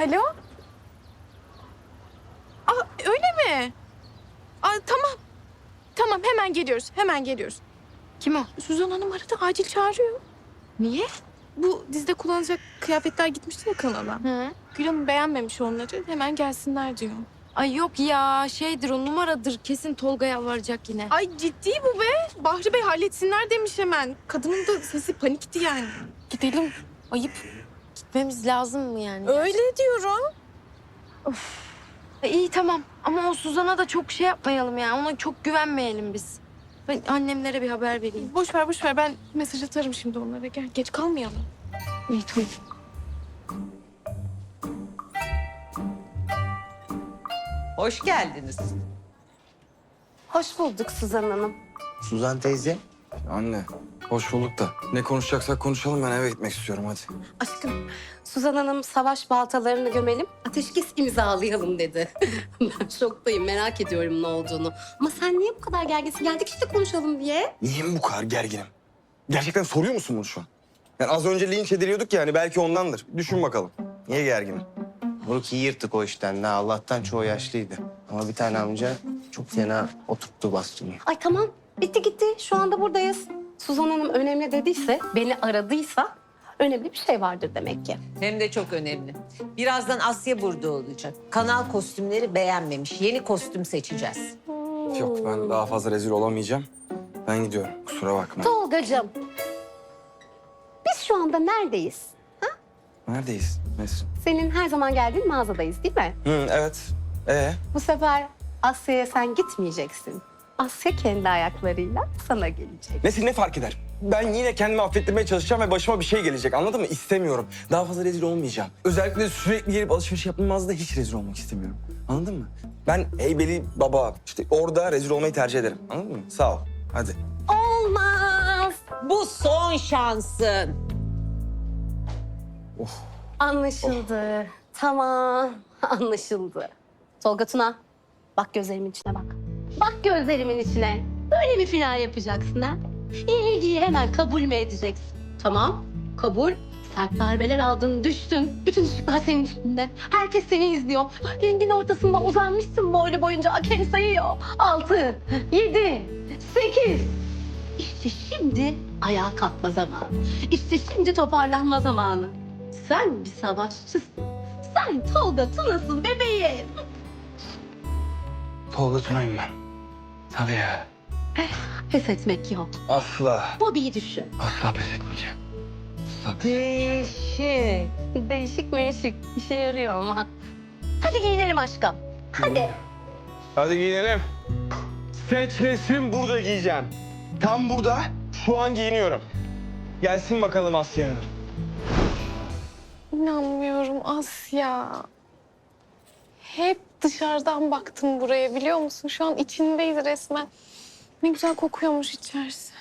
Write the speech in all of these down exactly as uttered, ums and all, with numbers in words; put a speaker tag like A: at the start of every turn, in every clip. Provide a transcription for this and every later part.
A: Alo? Aa, öyle mi? Aa, tamam. Tamam, hemen geliyoruz. Hemen geliyoruz.
B: Kim o?
A: Suzan Hanım aradı. Acil çağırıyor.
B: Niye?
A: Bu dizide kullanacak kıyafetler gitmişti ya kanala.
B: Hı.
A: Gül Hanım beğenmemiş onları. Hemen gelsinler diyor.
B: Ay yok ya şeydir o numaradır. Kesin Tolga yalvaracak yine.
A: Ay ciddi bu be. Bahri Bey halletsinler demiş hemen. Kadının da sesi panikti yani. Gidelim. Ayıp.
B: Gitmemiz lazım mı yani?
A: Öyle diyorum.
B: E, iyi tamam ama o Suzan'a da çok şey yapmayalım ya. Ona çok güvenmeyelim biz. Ben annemlere bir haber vereyim.
A: Boş ver boş ver. Ben mesaj atarım şimdi onlara. Gel geç kalmayalım.
B: İyi tamam.
C: Hoş geldiniz.
D: Hoş bulduk Suzan Hanım.
E: Suzan teyze.
F: Anne, hoş bulduk da. Ne konuşacaksak konuşalım, ben eve gitmek istiyorum hadi.
D: Aşkım, Suzan Hanım savaş baltalarını gömelim, ateşkes imzalayalım dedi. Ben şoktayım, merak ediyorum ne olduğunu. Ama sen niye bu kadar gerginsin? Geldik işte konuşalım diye.
F: Niye bu kadar gerginim? Gerçekten soruyor musun bunu şu an? Yani az önce linç ediliyorduk yani, belki ondandır. Düşün bakalım. Niye gerginim?
E: Moruk iyi yırttık o işten. Ne Allah'tan çoğu yaşlıydı. Ama bir tane amca çok fena oturttu bastonu.
D: Ay tamam, bitti gitti. Şu anda buradayız. Suzan Hanım önemli dediyse, beni aradıysa önemli bir şey vardır demek ki.
C: Hem de çok önemli. Birazdan Asya burada olacak. Kanal kostümleri beğenmemiş. Yeni kostüm seçeceğiz.
F: Yok, ben daha fazla rezil olamayacağım. Ben gidiyorum, kusura bakma.
D: Tolgacığım, biz şu anda neredeyiz?
F: Neredeyiz Nesrin?
D: Senin her zaman geldiğin mağazadayız değil mi?
F: Hı, evet. Ee?
D: Bu sefer Asya'ya sen gitmeyeceksin. Asya kendi ayaklarıyla sana gelecek.
F: Nesrin ne fark eder? Ben yine kendimi affettirmeye çalışacağım ve başıma bir şey gelecek, anladın mı? İstemiyorum. Daha fazla rezil olmayacağım. Özellikle sürekli gelip alışveriş yaptığım mağazada hiç rezil olmak istemiyorum. Anladın mı? Ben Heybeli Baba, işte orada rezil olmayı tercih ederim. Anladın mı? Sağ ol. Hadi.
D: Olmaz.
C: Bu son şansın.
D: Anlaşıldı. Tamam, anlaşıldı. Tolga Tuna, bak gözlerimin içine bak. Bak gözlerimin içine. Böyle mi final yapacaksın ha? İlgiyi hemen kabul mü edeceksin? Tamam, kabul. Sert darbeler aldın, düştün. Bütün ışıklar senin üstünde. Herkes seni izliyor. Ringin ortasında uzanmışsın boylu boyunca. Hakem sayıyor. Altı, yedi, sekiz. İşte şimdi ayağa kalkma zamanı. İşte şimdi toparlanma zamanı. Sen bir savaşçısın. Sen Tolga Tuna'sın bebeğim.
F: Tolga Tuna'yım ben. Tabii ya.
D: Pes etmek yok.
F: Asla.
D: Bobby'yi düşün.
F: Asla pes etmeyeceğim.
D: Değişik. Değişik meşik. İşe yarıyor ama. Hadi giyinelim aşkım. Hadi.
F: Hadi giyinelim. Seç resim burada giyeceğim. Tam burada, şu an giyiniyorum. Gelsin bakalım Asya Hanım.
A: İnanmıyorum Asya. Hep dışarıdan baktım buraya biliyor musun? Şu an içindeyiz resmen. Ne güzel kokuyormuş içerisi.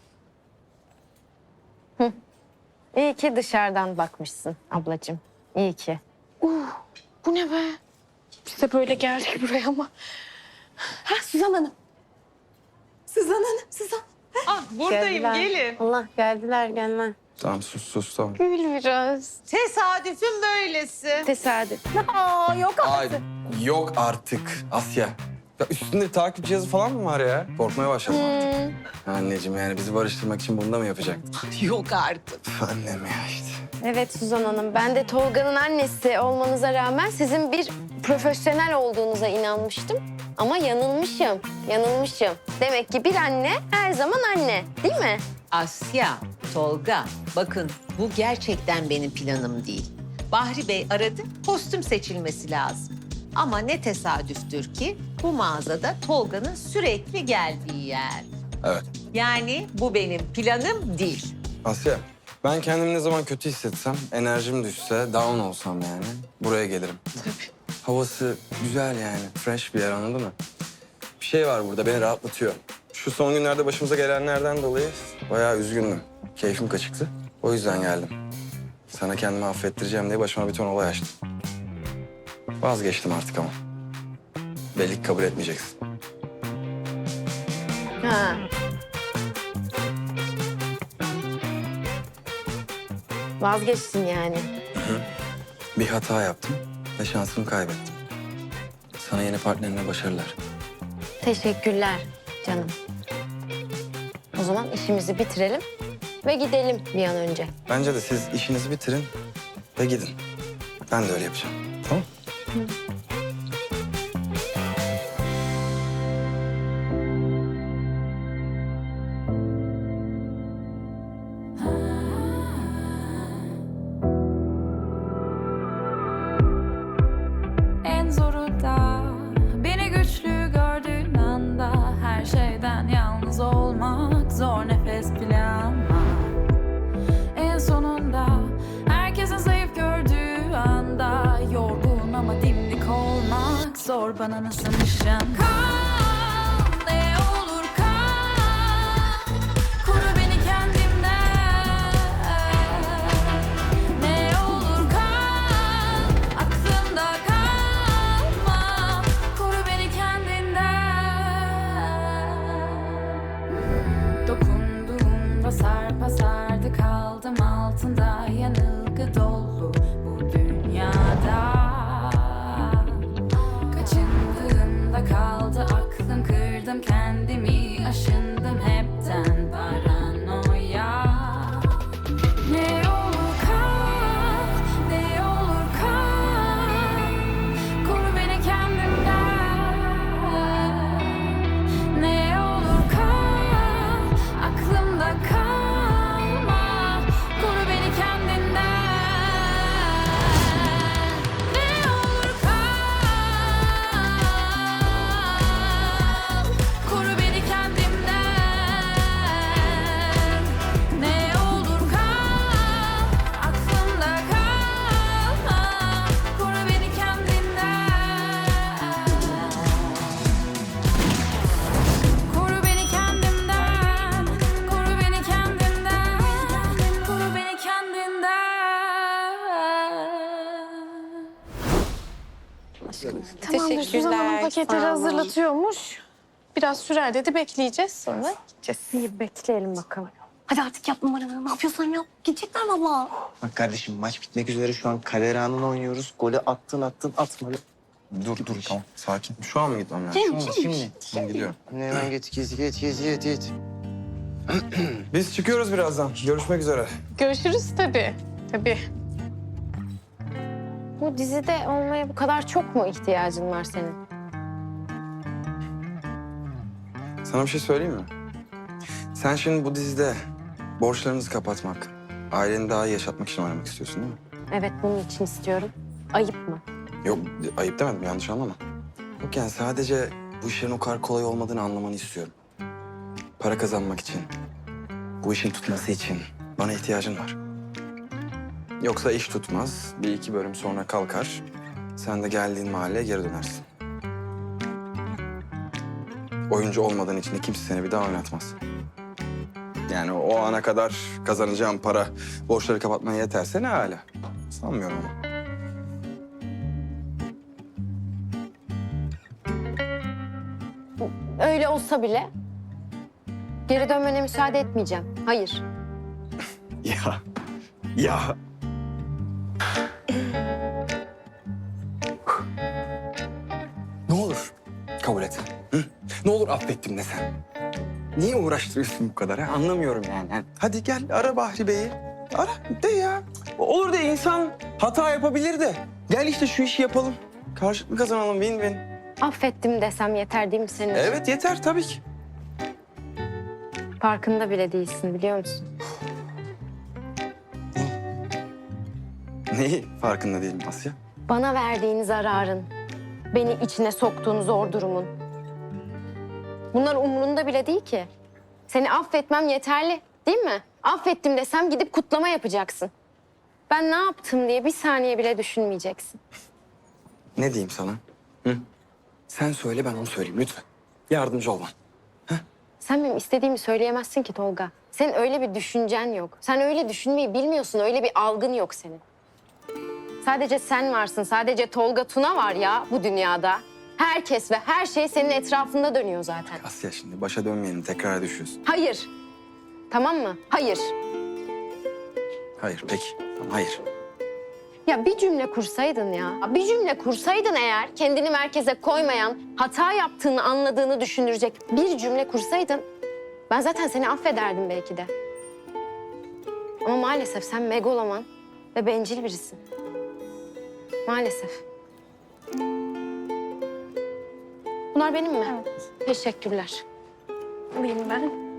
B: İyi ki dışarıdan bakmışsın ablacığım. İyi ki.
A: Uh, bu ne be? Biz de böyle geldik buraya ama. Ha Suzan Hanım. Suzan Hanım, Suzan.
C: Ah buradayım
B: Geldiler.
C: gelin.
B: Allah geldiler gelme.
F: Tamam sus sus tamam.
A: Gül biraz.
C: Tesadüfün böylesi.
B: Tesadüf.
D: Aa, yok
F: Ay yok artık Asya. Ya üstünde takip cihazı falan mı var ya? Korkmaya başladım artık. Anneciğim yani bizi barıştırmak için bunu da mı yapacaktın?
C: Yok artık.
F: Üf, annem ya işte.
B: Evet Suzan Hanım, ben de Tolga'nın annesi olmanıza rağmen sizin bir profesyonel olduğunuza inanmıştım. Ama yanılmışım, yanılmışım. Demek ki bir anne her zaman anne, değil mi?
C: Asya, Tolga, bakın bu gerçekten benim planım değil. Bahri Bey aradı, kostüm seçilmesi lazım. Ama ne tesadüftür ki bu mağazada Tolga'nın sürekli geldiği yer.
F: Evet.
C: Yani bu benim planım değil.
F: Asya ben kendimi ne zaman kötü hissetsem, enerjim düşse, down olsam yani buraya gelirim. Havası güzel yani, fresh bir yer anladın mı? Bir şey var burada beni rahatlatıyor. Şu son günlerde başımıza gelenlerden dolayı bayağı üzgündüm. Keyfim kaçıktı. O yüzden geldim. Sana kendimi affettireceğim diye başıma bir ton olay açtım. Vazgeçtim artık ama. Belli ki kabul etmeyeceksin.
B: Ha. Vazgeçtin yani.
F: Bir hata yaptım. ve şansımı kaybettim. Sana yeni partnerine başarılar.
B: Teşekkürler canım. O zaman işimizi bitirelim ve gidelim bir an önce.
F: Bence de siz işinizi bitirin ve gidin. Ben de öyle yapacağım. Tamam?
G: En zoru da beni güçlü gördüğün anda her şeyden yalnız olmak zor nefes bile ama en sonunda herkesin zayıf gördüğü anda yorgun ama dimdik olmak zor bana nasılmışım. Kal ne olur kal koru beni kendimden ne olur kal aklımda kalma koru beni kendinden dokunduğumda sarpa sardı kaldım altında yanılgı dolu bu dünyada kaçındığımda kaldı aklım kırdım kendimi aşındım hepten paranoya ne olur kal ne olur kal koru beni kendimden ne olur kal aklımda kalma koru beni kendinden ne olur kal koru beni kendimden ne olur kal aklımda kalma koru beni kendinden koru beni kendimden koru beni kendimden koru beni kendinden.
A: Tamamdır, Suzan Hanım paketleri hazırlatıyormuş. Biraz sürer dedi, bekleyeceğiz. Sonra gideceğiz.
B: İyi bekleyelim bakalım.
D: Hadi artık yap numaranı. Ne yapıyorsan yap. Gidecekler valla.
E: Bak kardeşim maç bitmek üzere şu an kader anını oynuyoruz. Golü attın attın atmadı.
F: Dur dur tamam sakin. Şu an mı gitmem lazım?
D: Şimdi,
E: Şu an,
D: şimdi.
E: şimdi.
F: Ben gidiyorum.
E: Hemen git git git git git git.
F: Biz çıkıyoruz birazdan. Görüşmek üzere.
A: Görüşürüz tabii. Tabii.
B: Bu dizide olmaya bu kadar çok mu ihtiyacın var senin?
F: Sana bir şey söyleyeyim mi? Sen şimdi bu dizide borçlarınızı kapatmak, aileni daha iyi yaşatmak için oynamak istiyorsun değil mi?
B: Evet, bunun için istiyorum. Ayıp mı?
F: Yok ayıp demedim yanlış anlama. Yok yani sadece bu işlerin o kadar kolay olmadığını anlamanı istiyorum. Para kazanmak için, bu işin tutması için bana ihtiyacın var. Yoksa iş tutmaz, bir iki bölüm sonra kalkar. Sen de geldiğin mahalleye geri dönersin. Oyuncu olmadığın için de kimse seni bir daha oynatmaz. Yani o ana kadar kazanacağım para borçları kapatmaya yeterse ne hala. Sanmıyorum ama.
B: Öyle olsa bile geri dönmene müsaade etmeyeceğim. Hayır.
F: Ya, ya. Ne olur kabul et. Hı? Ne olur affettim de sen. Niye uğraştırıyorsun bu kadar? Ha? Anlamıyorum yani. Ha, hadi gel ara Bahri Bey'i. Ara de ya. Olur de insan hata yapabilir de. Gel işte şu işi yapalım. Karşılıklı kazanalım win win.
B: Affettim desem yeter değil mi senin için?
F: Evet yeter tabii ki.
B: Farkında bile değilsin, biliyor musun?
F: Neyi farkında değilim Asya?
B: Bana verdiğin zararın, beni içine soktuğun zor durumun. Bunlar umurunda bile değil ki. Seni affetmem yeterli, değil mi? Affettim desem gidip kutlama yapacaksın. Ben ne yaptım diye bir saniye bile düşünmeyeceksin.
F: Ne diyeyim sana? Hı? Sen söyle ben onu söyleyeyim lütfen. Yardımcı ol bana.
B: Sen benim istediğimi söyleyemezsin ki Tolga. Senin öyle bir düşüncen yok. Sen öyle düşünmeyi bilmiyorsun, öyle bir algın yok senin. Sadece sen varsın, sadece Tolga Tuna var ya bu dünyada. Herkes ve her şey senin etrafında dönüyor zaten.
F: Asya şimdi başa dönmeyelim tekrar düşüyorsun.
B: Hayır. Tamam mı? Hayır.
F: Hayır peki. Tamam, hayır.
B: Ya bir cümle kursaydın ya. Bir cümle kursaydın eğer kendini merkeze koymayan, hata yaptığını anladığını düşündürecek bir cümle kursaydın ben zaten seni affederdim belki de. Ama maalesef sen megaloman ve bencil birisin. Maalesef. Bunlar benim mi?
A: Evet.
B: Teşekkürler.
A: Alayım ben.